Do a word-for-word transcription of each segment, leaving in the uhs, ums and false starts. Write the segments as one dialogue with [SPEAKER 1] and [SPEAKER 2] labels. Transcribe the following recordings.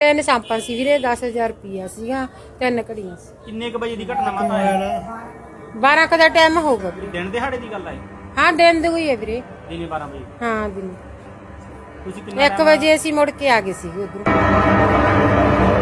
[SPEAKER 1] ਤਿੰਨ ਸਾਂਪਾਂ ਸੀ ਵੀਰੇ, ਦਸ ਹਜ਼ਾਰ ਰੁਪਈਆ ਸੀਗਾ, ਤਿੰਨ ਘੜੀਆਂ ਸੀ।
[SPEAKER 2] ਕਿੰਨੇ ਕੁ ਵਜੇ ਦੀ ਘਟਨਾ ਮਾਤਾ ਹੈ?
[SPEAKER 1] ਬਾਰਾਂ ਕੁ ਦਾ ਟਾਈਮ ਹੋਊਗਾ ਵੀਰੇ।
[SPEAKER 2] ਦਿਨ ਦਿਹਾੜੇ ਦੀ ਗੱਲ ਹੈ?
[SPEAKER 1] ਹਾਂ ਦਿਨ ਦੀ ਹੋਈ ਹੈ ਵੀਰੇ।
[SPEAKER 2] ਦਿਨੇ ਬਾਰਾਂ ਵਜੇ?
[SPEAKER 1] ਹਾਂ ਦਿਨ।
[SPEAKER 2] ਤੁਸੀਂ ਕਿੰਨਾ
[SPEAKER 1] ਇੱਕ ਵਜੇ ਅਸੀਂ ਮੁੜ ਕੇ ਆ ਗਏ ਸੀਗੇ ਉਧਰੋਂ।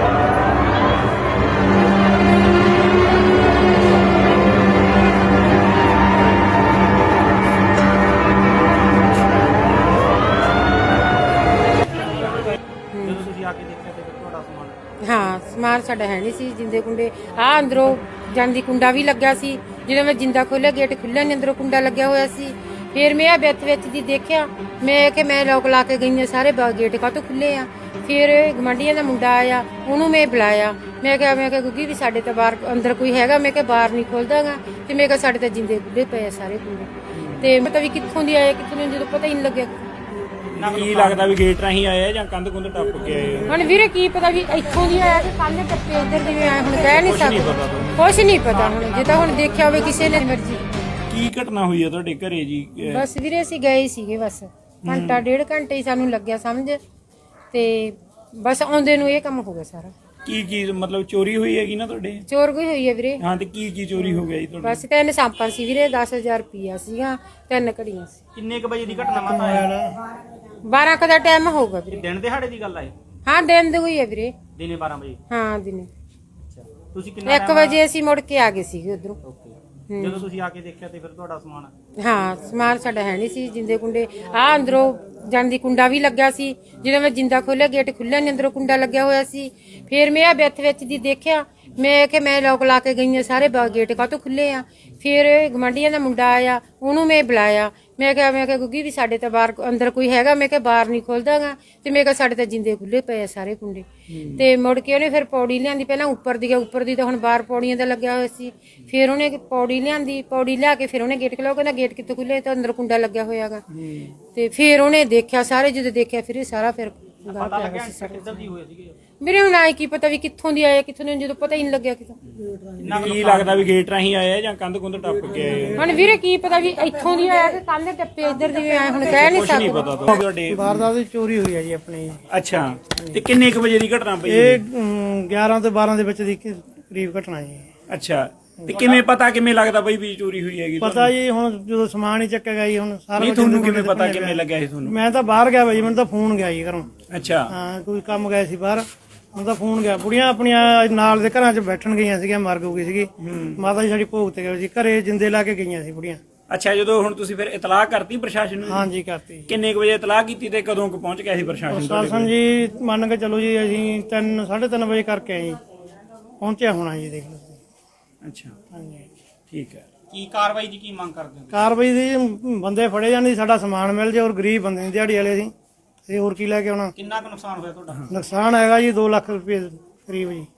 [SPEAKER 2] ਜਦੋਂ ਤੁਸੀਂ ਆ ਕੇ ਦੇਖਿਆ ਤੇ ਫਿਰ ਤੁਹਾਡਾ ਸਮਾਨ?
[SPEAKER 1] ਹਾਂ ਸਮਾਨ ਸਾਡਾ ਹੈ ਨਹੀਂ ਸੀ। ਜਿੰਦੇ ਕੁੰਡੇ ਆ ਅੰਦਰੋਂ ਜਾਂਦੀ ਕੁੰਡਾ ਵੀ ਲੱਗਿਆ ਸੀ। ਜਦੋਂ ਮੈਂ ਜਿੰਦਾ ਖੋਲਿਆ ਗੇਟ ਖੁੱਲਿਆ ਨਹੀਂ, ਅੰਦਰੋਂ ਕੁੰਡਾ ਲੱਗਿਆ ਹੋਇਆ ਸੀ। ਫਿਰ ਮੈਂ ਆ ਵਿੱਥ ਵਿੱਚ ਦੀ ਦੇਖਿਆ, ਮੈਂ ਕਿ ਮੈਂ ਲੋਕ ਲਾ ਕੇ ਗਈ ਆ, ਸਾਰੇ ਗੇਟ ਕਾਹਤੋਂ ਖੁੱਲੇ ਆ। ਫਿਰ ਗਵਾਂਢੀਆਂ ਦਾ ਮੁੰਡਾ ਆਇਆ, ਉਹਨੂੰ ਮੈਂ ਬੁਲਾਇਆ। ਮੈਂ ਕਿਹਾ ਮੈਂ ਕਿਹਾ ਗੁੱਗੀ ਵੀ ਸਾਡੇ ਤਾਂ ਬਾਹਰ ਅੰਦਰ ਕੋਈ ਹੈਗਾ? ਮੈਂ ਕਿਹਾ ਬਾਹਰ ਨਹੀਂ ਖੁੱਲਦਾਗਾ। ਤੇ ਮੈਂ ਕਿਹਾ ਸਾਡੇ ਤਾਂ ਜਿੰਦੇ ਖੁੱਲੇ ਪਏ ਆ ਸਾਰੇ ਕੁੰਡੇ। ਤੇ ਮੈਂ ਤਾਂ ਵੀ ਕਿੱਥੋਂ ਦੀ ਆਏ ਕਿੱਥੋਂ ਦੀ, ਜਦੋਂ ਪਤਾ ਹੀ ਨਹੀਂ ਲੱਗਿਆ।
[SPEAKER 2] ਕੀ ਲੱਗਦਾ ਵੀ ਗੇਟ ਰਾਹੀਂ ਆਏ ਆ ਜਾਂ ਕੰਧ ਕੁੰਧ ਟੱਪ ਕੇ ਆਏ ਆ?
[SPEAKER 1] ਹੁਣ ਵੀਰੇ ਕੀ ਪਤਾ ਵੀ ਇੱਥੋਂ ਦੀ ਆਇਆ ਕਿ ਕੰਨ ਟੱਪੇ ਇੱਧਰ ਦੀ ਆਏ, ਹੁਣ ਕਹਿ ਨਹੀਂ ਸਕਦੇ। ਕੁਛ ਨਹੀਂ ਪਤਾ ਹੁਣ, ਜੇ ਤਾਂ ਹੁਣ ਦੇਖਿਆ ਹੋਵੇ ਕਿਸੇ ਨੇ ਮਰਜ਼ੀ।
[SPEAKER 2] ਕੀ ਘਟਨਾ ਹੋਈ ਆ ਤੁਹਾਡੇ ਘਰੇ ਜੀ?
[SPEAKER 1] ਬਸ ਵੀਰੇ ਅਸੀਂ ਗਏ ਸੀਗੇ, ਬਸ ਘੰਟਾ ਡੇਢ ਘੰਟੇ ਹੀ ਸਾਨੂੰ ਲੱਗਿਆ ਸਮਝ, ਤੇ ਬਸ ਆਉਂਦੇ ਨੂੰ ਇਹ ਕੰਮ ਹੋ ਗਿਆ ਸਾਰਾ।
[SPEAKER 2] ਕੀ ਚੀਜ਼ ਮਤਲਬ ਚੋਰੀ ਹੋਈ ਹੈਗੀ ਨਾ ਤੁਹਾਡੇ?
[SPEAKER 1] ਚੋਰ ਕੋਈ ਹੋਈ ਹੈ ਵੀਰੇ।
[SPEAKER 2] ਹਾਂ, ਤੇ ਕੀ ਕੀ ਚੋਰੀ ਹੋ ਗਿਆ ਜੀ ਤੁਹਾਡੇ?
[SPEAKER 1] ਬਸ ਤਿੰਨ ਸਾਂਪਾਂ ਸੀ ਵੀਰੇ, ਦਸ ਹਜ਼ਾਰ ਰੁਪਈਆ ਸੀਗਾ, ਤਿੰਨ ਘੜੀਆਂ ਸੀ।
[SPEAKER 2] ਕਿੰਨੇ ਕੁ ਵਜੇ ਦੀ ਘਟਨਾ ਮਾਤਾ ਹੈ?
[SPEAKER 1] ਬਾਰਾਂ ਕੁ ਦਾ ਟਾਈਮ ਹੋਊਗਾ ਵੀਰੇ।
[SPEAKER 2] ਦਿਨ ਦਿਹਾੜੇ ਦੀ ਗੱਲ ਹੈ?
[SPEAKER 1] ਹਾਂ ਦਿਨ ਦੀ ਹੋਈ ਹੈ ਵੀਰੇ।
[SPEAKER 2] ਦਿਨੇ ਬਾਰਾਂ ਵਜੇ?
[SPEAKER 1] ਹਾਂ ਦਿਨੇ।
[SPEAKER 2] ਅੱਛਾ, ਤੁਸੀਂ ਕਿੰਨਾ
[SPEAKER 1] ਇੱਕ ਵਜੇ ਅਸੀਂ ਮੁੜ ਕੇ ਆ ਗਏ ਸੀਗੇ ਉਧਰੋਂ।
[SPEAKER 2] ਓਕੇ, ਜਦੋਂ ਤੁਸੀਂ ਆ ਕੇ ਦੇਖਿਆ ਤੇ ਫਿਰ ਤੁਹਾਡਾ ਸਮਾਨ?
[SPEAKER 1] ਹਾਂ ਸਮਾਨ ਸਾਡਾ ਹੈ ਨਹੀਂ ਸੀ। ਜਿੰਦੇ ਕੁੰਡੇ ਆ ਅੰਦਰੋਂ ਜਾਂਦੀ ਕੁੰਡਾ ਵੀ ਲੱਗਿਆ ਸੀ। ਜਦੋਂ ਮੈਂ ਜਿੰਦਾ ਖੋਲਿਆ ਗੇਟ ਖੁੱਲਿਆ ਨਹੀਂ, ਅੰਦਰੋਂ ਕੁੰਡਾ ਲੱਗਿਆ ਹੋਇਆ ਸੀ। ਫਿਰ ਮੈਂ ਆ ਵਿੱਥ ਵਿੱਚ ਦੀ ਦੇਖਿਆ, ਮੈਂ ਕਿ ਮੈਂ ਲੋਕ ਲਾ ਕੇ ਗਈ ਆ, ਸਾਰੇ ਗੇਟ ਕਾਹਤੋਂ ਖੁੱਲੇ ਆ। ਫਿਰ ਗਵਾਂਢੀਆਂ ਦਾ ਮੁੰਡਾ ਆਇਆ, ਉਹਨੂੰ ਮੈਂ ਬੁਲਾਇਆ। ਮੈਂ ਕਿਹਾ ਮੈਂ ਕਿਹਾ ਗੁੱਗੀ ਵੀ ਸਾਡੇ ਤਾਂ ਬਾਹਰ ਅੰਦਰ ਕੋਈ ਹੈਗਾ? ਮੈਂ ਕਿਹਾ ਬਾਹਰ ਨਹੀਂ ਖੁੱਲਦਾਗਾ। ਤੇ ਮੈਂ ਕਿਹਾ ਸਾਡੇ ਤਾਂ ਜਿੰਦੇ ਖੁੱਲੇ ਪਏ ਆ ਸਾਰੇ ਕੁੰਡੇ। ਤੇ ਮੁੜ ਕੇ ਉਹਨੇ ਫਿਰ ਪੌੜੀ ਲਿਆਂਦੀ, ਪਹਿਲਾਂ ਉੱਪਰ ਦੀ ਉੱਪਰ ਦੀ ਤਾਂ ਹੁਣ ਬਾਹਰ ਪੌੜੀਆਂ ਦਾ ਲੱਗਿਆ ਹੋਇਆ ਸੀ। ਫਿਰ ਉਹਨੇ ਪੌੜੀ ਲਿਆਂਦੀ, ਪੌੜੀ ਲਿਆ ਕੇ ਫਿਰ ਉਹਨੇ ਗੇਟ ਖੋਲ੍ਹਿਆ। ਕਹਿੰਦਾ ਗੇਟ ਕਿੱਥੋਂ ਖੁੱਲੇ? ਤਾਂ ਅੰਦਰ ਕੁੰਡਾ ਲੱਗਿਆ ਹੋਇਆਗਾ। ਤੇ ਫਿਰ ਉਹਨੇ ਦੇਖਿਆ ਸਾਰੇ, ਜਦੋਂ ਦੇਖਿਆ ਫਿਰ ਇਹ ਸਾਰਾ ਫਿਰ ਮੇਰੇ ਹੁਣ ਆਏ ਕੀ ਪਤਾ ਵੀ ਕਿੱਥੋਂ ਦੀ ਆਏ ਕਿੱਥੋਂ ਦੀ, ਜਦੋਂ ਪਤਾ ਹੀ ਨਹੀਂ ਲੱਗਿਆ ਕਿਤੋਂ।
[SPEAKER 2] ਕੀ ਲੱਗਦਾ ਵੀ ਗੇਟ ਰਾਹੀਂ ਆਏ ਆ ਜਾਂ ਕੰਧ ਕੁੰਧ ਟੱਪ ਕੇ ਆਏ ਆ?
[SPEAKER 1] ਹੁਣ ਵੀਰੇ ਕੀ ਪਤਾ ਵੀ ਇੱਥੋਂ ਦੀ ਆਇਆ ਕਿ ਕੰਨ ਟੱਪੇ ਇੱਧਰ ਦੀ ਆਏ, ਹੁਣ ਕਹਿ ਨਹੀਂ ਸਕਦੇ।
[SPEAKER 2] ਪਤਾ ਤੁਹਾਡੇ
[SPEAKER 3] ਵਾਰਦਾਤ ਦੀ ਚੋਰੀ ਹੋਈ ਹੈ ਜੀ ਆਪਣੀ।
[SPEAKER 2] ਅੱਛਾ, ਤੇ ਕਿੰਨੇ ਕੁ ਵਜੇ ਦੀ ਘਟਨਾ ਪਈ?
[SPEAKER 3] ਇਹ ਗਿਆਰਾਂ ਤੋਂ ਬਾਰਾਂ ਦੇ ਵਿੱਚ ਦੀ ਕਰੀਬ ਘਟਨਾ ਜੀ।
[SPEAKER 2] ਅੱਛਾ, ਤੇ ਕਿਵੇਂ ਪਤਾ ਕਿਵੇਂ ਲੱਗਦਾ ਬਈ ਵੀ ਚੋਰੀ ਹੋਈ ਹੈਗੀ?
[SPEAKER 3] ਪਤਾ ਜੀ ਹੁਣ ਜਦੋਂ ਸਮਾਨ ਹੀ ਚੱਕਿਆ ਗਿਆ ਜੀ, ਹੁਣ ਸਾਰਾ
[SPEAKER 2] ਨਹੀਂ ਤੁਹਾਨੂੰ ਕਿਵੇਂ ਪਤਾ, ਕਿਵੇਂ ਲੱਗਿਆ ਸੀ ਤੁਹਾਨੂੰ?
[SPEAKER 3] ਮੈਂ ਤਾਂ ਬਾਹਰ ਗਿਆ ਬਾਈ, ਮੈਨੂੰ ਤਾਂ ਫੋਨ ਗਿਆ ਜੀ ਘਰੋਂ।
[SPEAKER 2] ਅੱਛਾ,
[SPEAKER 3] ਹਾਂ ਕੋਈ ਕੰਮ ਗਿਆ ਸੀ ਬਾਹਰ, ਮੈਨੂੰ ਤਾਂ ਫੋਨ ਗਿਆ। ਬੁੜੀਆਂ ਆਪਣੀਆਂ ਨਾਲ ਦੇ ਘਰਾਂ 'ਚ ਬੈਠਣ ਗਈਆਂ ਸੀਗੀਆਂ, ਮਰ ਗਈ ਸੀਗੀ ਮਾਤਾ ਜੀ ਸਾਡੀ ਭੋਗ ਤੇ ਗਏ ਸੀ, ਘਰੇ ਜਿੰਦੇ ਲਾ ਕੇ ਗਈਆਂ ਸੀ ਬੁੜੀਆਂ।
[SPEAKER 2] ਅੱਛਾ, ਜਦੋਂ ਹੁਣ ਤੁਸੀਂ ਫਿਰ ਇਤਲਾਹ ਕਰਤੀ ਪ੍ਰਸ਼ਾਸਨ ਨੂੰ?
[SPEAKER 3] ਹਾਂਜੀ ਕਰਤੀ।
[SPEAKER 2] ਕਿੰਨੇ ਕੁ ਵਜੇ ਇਤਲਾਹ ਕੀਤੀ ਤੇ ਕਦੋਂ ਕੁ ਪਹੁੰਚ ਗਿਆ ਸੀ ਪ੍ਰਸ਼ਾਸਨ?
[SPEAKER 3] ਪ੍ਰਸ਼ਾਸਨ ਜੀ ਮੰਨ ਕੇ ਚਲੋ ਜੀ, ਅਸੀਂ ਤਿੰਨ ਸਾਢੇ ਤਿੰਨ ਵਜੇ ਕਰਕੇ ਆਏ ਜੀ, ਪਹੁੰਚਿਆ ਹੋਣਾ ਜੀ, ਦੇਖ ਲਓ।
[SPEAKER 2] ਅੱਛਾ,
[SPEAKER 3] ਹਾਂਜੀ
[SPEAKER 2] ਠੀਕ ਹੈ। ਕੀ ਕਾਰਵਾਈ ਦੀ ਕੀ ਮੰਗ ਕਰਦੇ ਹੋ?
[SPEAKER 3] ਕਾਰਵਾਈ ਦੀ ਬੰਦੇ ਫੜੇ ਜਾਣ, ਸਾਡਾ ਸਮਾਨ ਮਿਲ ਜੇ, ਔਰ ਗਰੀਬ ਬੰਦੇ ਨੇ ਦਿਹਾੜੀ ਵਾਲੇ ਅਸੀਂ, ਤੇ ਹੋਰ ਕੀ ਲੈ ਕੇ ਆਉਣਾ।
[SPEAKER 2] ਕਿੰਨਾ ਕੁ ਨੁਕਸਾਨ ਹੋਇਆ ਤੁਹਾਡਾ?
[SPEAKER 3] ਨੁਕਸਾਨ ਹੈਗਾ ਜੀ ਦੋ ਲੱਖ ਰੁਪਏ ਕਰੀਬ ਜੀ।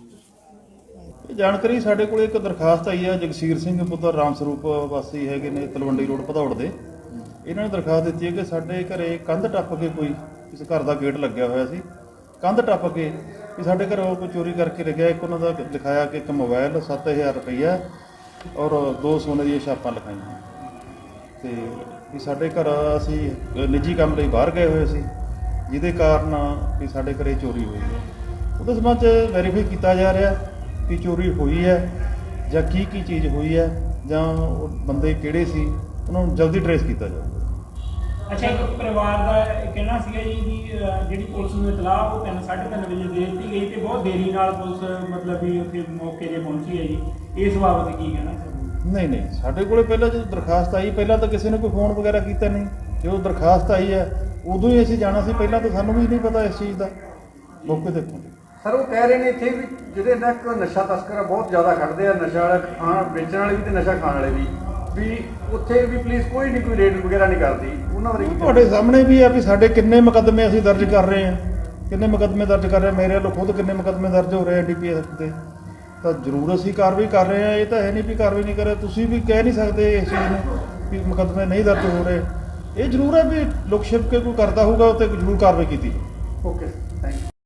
[SPEAKER 4] ਜਾਣਕਾਰੀ ਸਾਡੇ ਕੋਲ ਇੱਕ ਦਰਖਾਸਤ ਆਈ ਹੈ, ਜਗਸੀਰ ਸਿੰਘ ਪੁੱਤਰ ਰਾਮ ਸਰੂਪ ਵਾਸੀ ਹੈਗੇ ਨੇ ਤਲਵੰਡੀ ਰੋਡ ਭਦੌੜ ਦੇ। ਇਹਨਾਂ ਨੇ ਦਰਖਾਸਤ ਦਿੱਤੀ ਹੈ ਕਿ ਸਾਡੇ ਘਰੇ ਕੰਧ ਟੱਪ ਕੇ ਕੋਈ ਕਿਸੇ ਘਰ ਦਾ ਗੇਟ ਲੱਗਿਆ ਹੋਇਆ ਸੀ, ਕੰਧ ਟੱਪ ਕੇ ਵੀ ਸਾਡੇ ਘਰੋਂ ਕੋਈ ਚੋਰੀ ਕਰਕੇ ਲੱਗਿਆ। ਇੱਕ ਉਹਨਾਂ ਦਾ ਲਿਖਾਇਆ ਕਿ ਇੱਕ ਮੋਬਾਈਲ, ਸੱਤ ਹਜ਼ਾਰ ਰੁਪਈਆ ਔਰ ਦੋ ਸੋਨੇ ਦੀਆਂ ਛਾਪਾਂ ਲਿਖਾਈਆਂ। ਤੇ ਵੀ ਸਾਡੇ ਘਰ ਅਸੀਂ ਨਿੱਜੀ ਕੰਮ ਲਈ ਬਾਹਰ ਗਏ ਹੋਏ ਸੀ, ਜਿਹਦੇ ਕਾਰਨ ਵੀ ਸਾਡੇ ਘਰੇ ਚੋਰੀ ਹੋਈ ਹੈ। ਉਹਦੇ ਸੰਬੰਧ 'ਚ ਵੈਰੀਫਾਈ ਕੀਤਾ ਜਾ ਰਿਹਾ ਕਿ ਚੋਰੀ ਹੋਈ ਹੈ ਜਾਂ ਕੀ ਕੀ ਚੀਜ਼ ਹੋਈ ਹੈ, ਜਾਂ ਉਹ ਬੰਦੇ ਕਿਹੜੇ ਸੀ, ਉਹਨਾਂ ਨੂੰ ਜਲਦੀ ਟਰੇਸ ਕੀਤਾ ਜਾਊਗਾ।
[SPEAKER 2] ਅੱਛਾ, ਇੱਕ ਪਰਿਵਾਰ ਦਾ ਕਹਿਣਾ ਸੀਗਾ ਜੀ ਵੀ ਜਿਹੜੀ ਪੁਲਿਸ ਨੂੰ ਇਤਲਾਹ ਉਹ ਤਿੰਨ ਸਾਢੇ ਤਿੰਨ ਵਜੇ ਦੇ ਦਿੱਤੀ ਗਈ ਤੇ ਬਹੁਤ ਦੇਰੀ ਨਾਲ ਪੁਲਿਸ ਮਤਲਬ ਵੀ ਉੱਥੇ ਮੌਕੇ 'ਤੇ ਪਹੁੰਚੀ ਹੈ ਜੀ, ਇਸ ਬਾਬਤ ਕੀ ਕਹਿਣਾ?
[SPEAKER 4] ਨਹੀਂ ਨਹੀਂ, ਸਾਡੇ ਕੋਲੇ ਪਹਿਲਾਂ ਜਦੋਂ ਦਰਖਾਸਤ ਆਈ, ਪਹਿਲਾਂ ਤਾਂ ਕਿਸੇ ਨੇ ਕੋਈ ਫੋਨ ਵਗੈਰਾ ਕੀਤਾ ਨਹੀਂ। ਜਦੋਂ ਦਰਖਾਸਤ ਆਈ ਹੈ ਉਦੋਂ ਹੀ ਅਸੀਂ ਜਾਣਾ ਸੀ, ਪਹਿਲਾਂ ਤਾਂ ਸਾਨੂੰ ਵੀ ਨਹੀਂ ਪਤਾ ਇਸ ਚੀਜ਼ ਦਾ। ਮੌਕੇ ਤੇ
[SPEAKER 5] ਸਰ ਉਹ ਕਹਿ ਰਹੇ ਨੇ ਇੱਥੇ ਵੀ ਜਿਹਦੇ ਨਾਲ ਇੱਕ ਨਸ਼ਾ ਤਸਕਰ ਬਹੁਤ ਜ਼ਿਆਦਾ ਖੜਦੇ ਆ, ਨਸ਼ਾ ਵਾਲਾ ਖਾਣ ਵੇਚਣ ਵਾਲੇ ਵੀ ਤੇ ਨਸ਼ਾ ਖਾਣ ਵਾਲੇ ਵੀ ਵੀ ਉੱਥੇ ਵੀ ਪੁਲਿਸ ਕੋਈ ਨਹੀਂ ਕੋਈ ਰੇਡ ਵਗੈਰਾ ਨਹੀਂ ਕਰਦੀ, ਉਹਨਾਂ ਬਾਰੇ
[SPEAKER 4] ਤੁਹਾਡੇ ਸਾਹਮਣੇ ਵੀ ਆ ਵੀ ਸਾਡੇ ਕਿੰਨੇ ਮੁਕੱਦਮੇ ਅਸੀਂ ਦਰਜ ਕਰ ਰਹੇ ਹਾਂ, ਕਿੰਨੇ ਮੁਕੱਦਮੇ ਦਰਜ ਕਰ ਰਹੇ ਹਾਂ, ਮੇਰੇ ਵੱਲੋਂ ਖੁਦ ਕਿੰਨੇ ਮੁਕੱਦਮੇ ਦਰਜ ਹੋ ਰਹੇ ਆ ਡੀ ਪੀ ਐਸ ਤੇ। ਤਾਂ ਜ਼ਰੂਰ ਅਸੀਂ ਕਾਰਵਾਈ ਕਰ ਰਹੇ ਹਾਂ, ਇਹ ਤਾਂ ਹੈ ਨਹੀਂ ਵੀ ਕਾਰਵਾਈ ਨਹੀਂ ਕਰ ਰਹੇ। ਤੁਸੀਂ ਵੀ ਕਹਿ ਨਹੀਂ ਸਕਦੇ ਇਸ ਚੀਜ਼ ਨੂੰ ਵੀ ਮੁਕੱਦਮੇ ਨਹੀਂ ਦਰਜ ਹੋ ਰਹੇ। ਇਹ ਜ਼ਰੂਰ ਹੈ ਵੀ ਲੁਕ ਛਿਪ ਕੇ ਕੋਈ ਕਰਦਾ ਹੋਊਗਾ, ਉੱਤੇ ਜ਼ਰੂਰ ਕਾਰਵਾਈ ਕੀਤੀ।
[SPEAKER 5] ਓਕੇ।